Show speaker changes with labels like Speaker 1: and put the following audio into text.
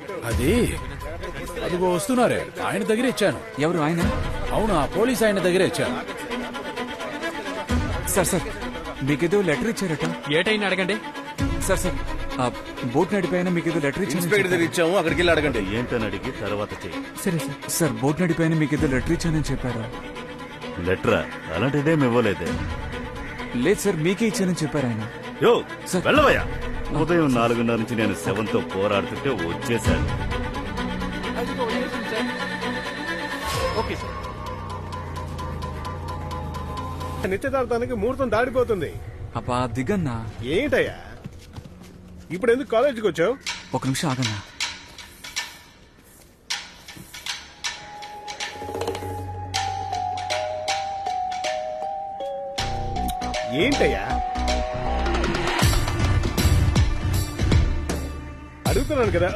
Speaker 1: అది అదిగో వస్తున్నారే, ఆయన దగ్గర ఇచ్చాను.
Speaker 2: ఎవరు ఆయన?
Speaker 1: అవును, ఆ పోలీస్ ఆయన దగ్గర ఇచ్చాను.
Speaker 2: సార్ మీకేదో లెటర్ ఇచ్చారట.
Speaker 3: ఏటైనా అడగండి.
Speaker 2: సార్ ఆ బోట్ నడిపోయినా మీకేదో లెటర్
Speaker 4: ఇన్స్పెక్టర్ దగ్గర
Speaker 2: ఇచ్చాను.
Speaker 4: ఇచ్చాము, అక్కడికి వెళ్ళి అడగండి. ఏంటని అడిగి తర్వాత చెయ్యి.
Speaker 2: సరే సార్ బోట్ నడిపోయినా మీకేదో లెటర్ ఇచ్చానని చెప్పారు.
Speaker 4: లెటరా? అలాంటిదేం ఇవ్వలేదే.
Speaker 2: లేదు సార్, మీకే ఇచ్చానని చెప్పారు ఆయన.
Speaker 4: యో
Speaker 2: సార్.
Speaker 4: వెళ్ళవయ్యా. ఉదయం 4:30 నుంచి నేను శవంతో పోరాడుతుంటే వచ్చేసాను.
Speaker 3: Okay sir.
Speaker 5: నిశ్చితార్థానికి ముహూర్తం దాడిపోతుంది.
Speaker 2: అబ్బా దిగన్నా.
Speaker 5: ఏంటయ్యా ఇప్పుడు ఎందుకు కాలేజీకి వచ్చావు?
Speaker 2: ఒక నిమిషం ఆగన్నా.
Speaker 5: ఏంటయ్యా అడుగుతున్నాను కదా.